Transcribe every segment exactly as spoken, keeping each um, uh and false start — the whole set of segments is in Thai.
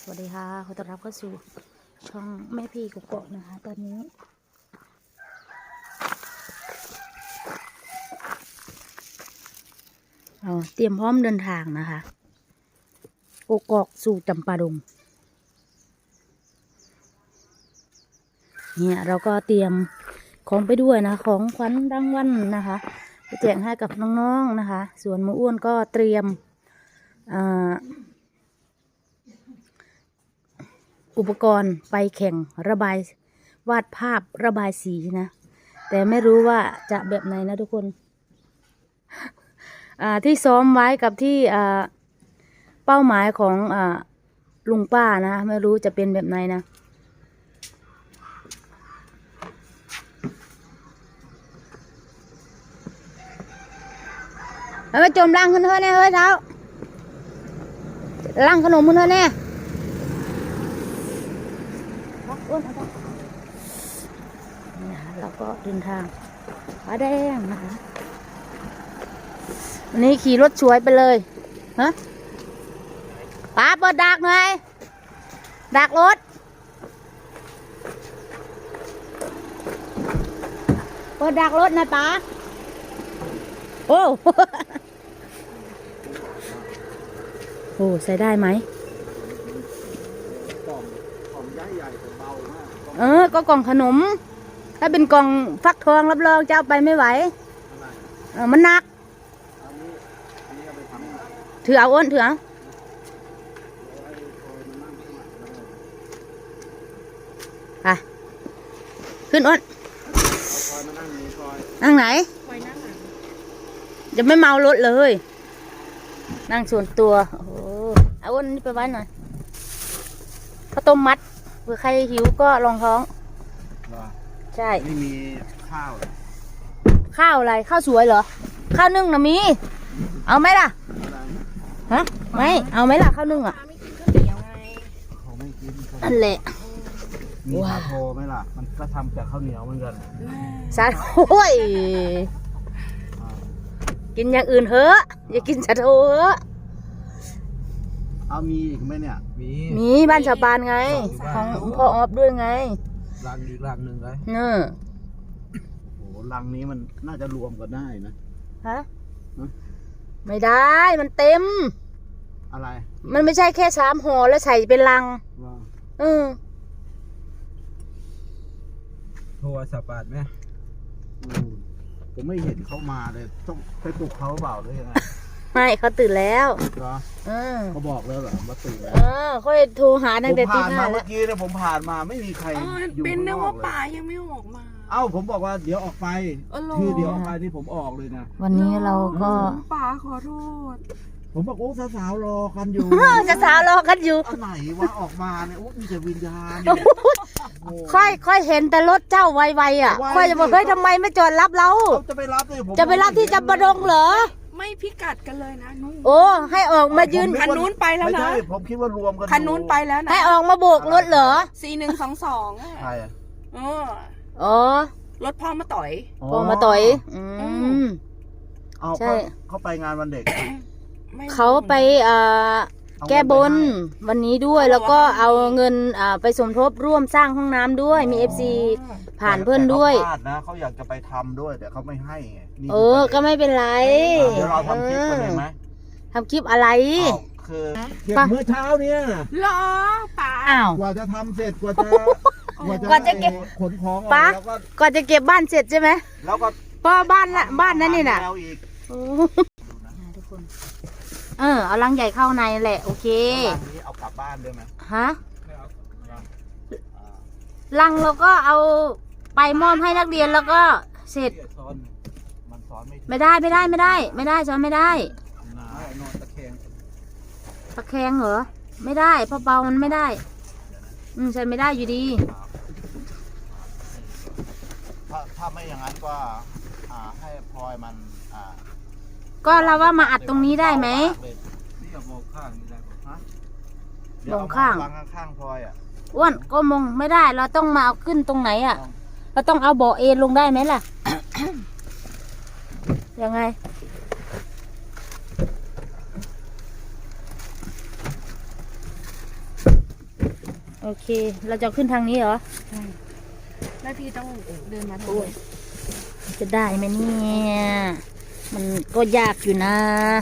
สวัสดีค่ะขอต้อนรับเข้าสู่ช่องแม่พี่กุ๊กโกะนะคะตอนนี้เราเตรียมพร้อมเดินทางนะคะกุ๊กโกะสู่จำปาดงเนี่ยเราก็เตรียมของไปด้วยนะของขวัญรางวัลนะคะไปแจกให้กับน้องๆนะคะส่วนหมูอ้วนก็เตรียมอ่าอุปกรณ์ไปแข่งระบายวาดภาพระบายสีนะแต่ไม่รู้ว่าจะแบบไหนนะทุกคนอ่าที่ซ้อมไว้กับที่อ่าเป้าหมายของอ่าลุงป้านะไม่รู้จะเป็นแบบไหนนะเอาไปจมลังขึ้นเถอะเนี่ยเฮ้ยเท้าลังขนมขึ้นเถอะเนี่ยนี่นะคะเราก็เดินทางป้าแดงนะคะวันนี้ขี่รถสวยไปเลยฮะป้าเปิดดักหน่อยดักรถเปิดดักรถนะป้าโอ้โหใส่ได้ไหมเออก็กล่องขนมถ้าเป็นกล่องฟักทองรับรองจะเอาไปไม่ไหวเออมันหนักถือเอาอ้นถือเอาไปขึ้นอ้นนั่งไหนจะไม่เมารถเลยนั่งส่วนตัวโอ้โหเอาอ้นนี่ไปไว้หน่อยข้าวต้มมัดเผื่อใครหิวก็รองท้องใช่ไม่มีข้าวข้าวอะไรข้าวสวยเหรอข้าวนึ่งนะมีเอาไหมล่ะฮะไม่เอาไหมล่ะข้าวนึ่งอ่ะเขาไม่กินนั่นแหละมีสาโทไหมล่ะมันก็ทำจากข้าวเหนียวเหมือนกันสาโทยกินอย่างอื่นเถอะอย่ากินสาโทเถอะเอามีอีกไหมเนี่ยมีมีบ้านชาวปานไงของพ่อออฟด้วยไงรังอีกรังหนึ่งเลยเนอะโอ้รังนี้มันน่าจะรวมกันได้นะฮะไม่ได้มันเต็มอะไรมันไม่ใช่แค่สามห่อแล้วใส่เป็นรังเออโทรศัพท์บาทไหมผมไม่เห็นเขามาเลยต้องไปปลุกเขาเปล่าหรือยังไงไม่เขาตื่นแล้วเหรอเออเขาบอกแล้วเหรอว่าตื่นแล้วเออค่อยโทรหาตั้งแต่ตีห้าเมื่อกี้เนี่ยผมผ่านมาไม่มีใครอยู่เป็นนะว่าป่ายังไม่ออกมาเอ้าผมบอกว่าเดี๋ยวออกไปคือเดี๋ยวออกไปที่ผมออกเลยนะวันนี้เราก็ป่าขอโทษผมบอกโอ้สาวๆรอกันอยู่สาวๆรอกันอยู่ไหนวะออกมาเนี่ยโอ้มีแต่วิญญาณค่อยค่อยเห็นแต่รถเจ้าไวๆอ่ะค่อยจะบอกเฮ้ยทำไมไม่จอดรับเราจะไปรับเลยผมจะไปรับที่จำปาดงเหรอไม่พิกัดกันเลยนะนู้นโอ้ให้ออกมายืนคันนู้นไปแล้วนะไม่ใช่ผมคิดว่ารวมกันคันนู้นไปแล้วนะให้ออกมาโบกรถเหรอสี่หนึ่งสองสองใช่อ๋ออ๋อรถพ่อมาต่อยพ่อมาต่อยอืมเอาใช่เขาไปงานวันเด็กเขาไปอ่าแก้บนวันนี้ด้วยแล้วก็เอาเงินอ่าไปสมทบร่วมสร้างห้องน้ำด้วยมี เอฟ ซี ผ่านเพื่อนด้วยนะเขาอยากจะไปทำด้วยแต่เขาไม่ให้ไงเออก็ไม่เป็นไรเดี๋ยวเราทำคลิปกันเลยไหมทำคลิปอะไรคือเก็บเมื่อเช้าเนี่ยรอป่าอ้าวกว่าจะทำเสร็จกว่าจะกว่าจะเก็บขนของป้ากว่าจะเก็บบ้านเสร็จใช่ไหมแล้วก็ป้าบ้านละบ้านนั้นนี่น่ะทุกคนเออเอาลังใหญ่เข้าในแหละโอเคนี้เอากลับบ้านได้ไหมฮะลังเราก็เอาไปมอบให้นักเรียนแล้วก็เสร็จไม่ได้ไม่ได้ไม่ได้ไม่ได้ซ้อนไม่ได้ตะแคงเหรอไม่ได้เพราะเบามันไม่ได้อืมใช่ไม่ได้อยู่ดีถ้าถ้าไม่อย่างนั้นก็ให้พลอยมันก็เราว่ามาอัดตรงนี้ได้ไหมลงข้างข้างพลอยอ่ะอ้วนก็มองไม่ได้เราต้องมาเอาขึ้นตรงไหนอ่ะเราต้องเอาเบาะเอ็นลงได้ไหมล่ะ ยังไงโอเค เราจะขึ้นทางนี้เหรอใช่แล้วพี่ต้องเดินมาทางโอ้ยนี้จะได้ไหมเนี่ย มันก็ยากอยู่นะ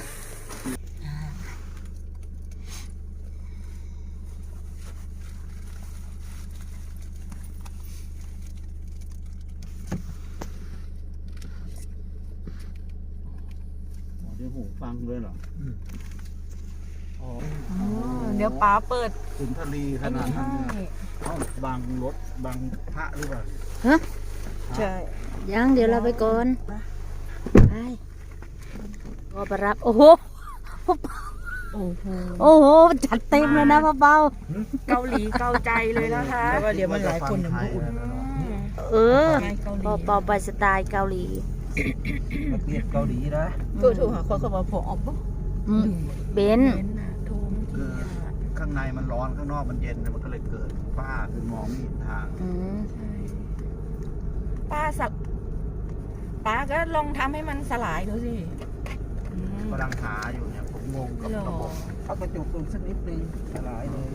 อ๋อเดี๋ยวหูฟังด้วยเหรออ๋อเดี๋ยวป๋าเปิดสุนทรีขนาดนั้นเนี่ยเอ้าบางรถบางพระหรือเปล่าฮะใช่ยังเดี๋ยวเราไปก่อน ไปพอไปรับ โอ้โหโอ้โหโอ้โห จัดเต็มเลยนะพ่อเบาเกาหลีเกาใจเลยนะคะว่าเดี๋ยวมันหลายคนเดี๋ยวมันอุ่นเออไงเกาหลีพอเบาไปสไตล์เกาหลีมาเปลี่ยนเกาหลีนะก็ถูกหาคนเข้ามาพอออกปุ๊บอืมเบนซ์เห็นน่ะโทรเมื่อคืกี้ออ่ะข้างในมันร้อนข้างนอกมันเย็นมันก็เลยเกิดฝ้าคือมองไม่เห็นทางอืมใช่ป้าสับป้าก็ลองทำให้มันสลายดูสิอืมกำลังหาอยู่เนี่ยผมงงกับหรอระบบเอากระจกลงสักนิดนึงสลายเลย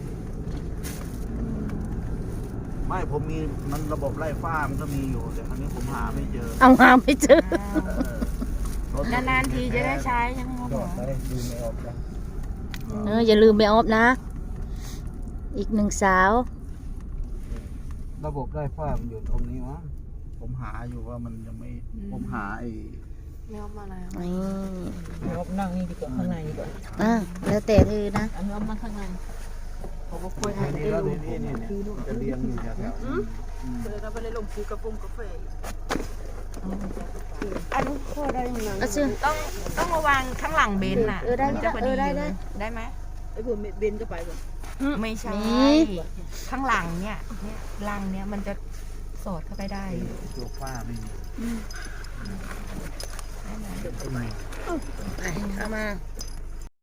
ไม่ผมมีมันระบบไล่ฝ้ามันก็มีอยู่แต่ครั้นี้ผมหาไม่เจอเอาหาไม่เจอเออนานๆทีจะได้ใช้ยังไงจอดได้ดูไม่ออกนะเอออย่าลืมไปออฟนะ อีกหนึ่งสาวระบบไล่ฝ้ามันอยู่ตรงนี้วะผมหาอยู่ว่ามันยังไม่ผมหาไอ้ไม่เอามาแล้วนี่เอานั่งนี่ดีกว่าข้างในดีกว่าอ่ะแล้วแต่เธอนะอันนี้เอามาข้างในเขาก็คุยไอ้นี่แล้วนี่นี่นี่จะเรียงอยู่แถวๆนี้อืมเราไปเลยลงซื้อกระปุกกาแฟอันนี้พอได้ยังไงก็ซื้อต้องต้องระวังข้างหลังเบนซ์น่ะเออได้มันจะพอดีเออได้ได้ได้ไหมไอ้พวกเบนก็ไปก่อนไม่ใช่มีข้างหลังเนี่ยเนี่ยลังเนี่ยมันจะสอดเข้าไปได้ตัวฝ้าไม่มีได้ไหมไปเข้ามา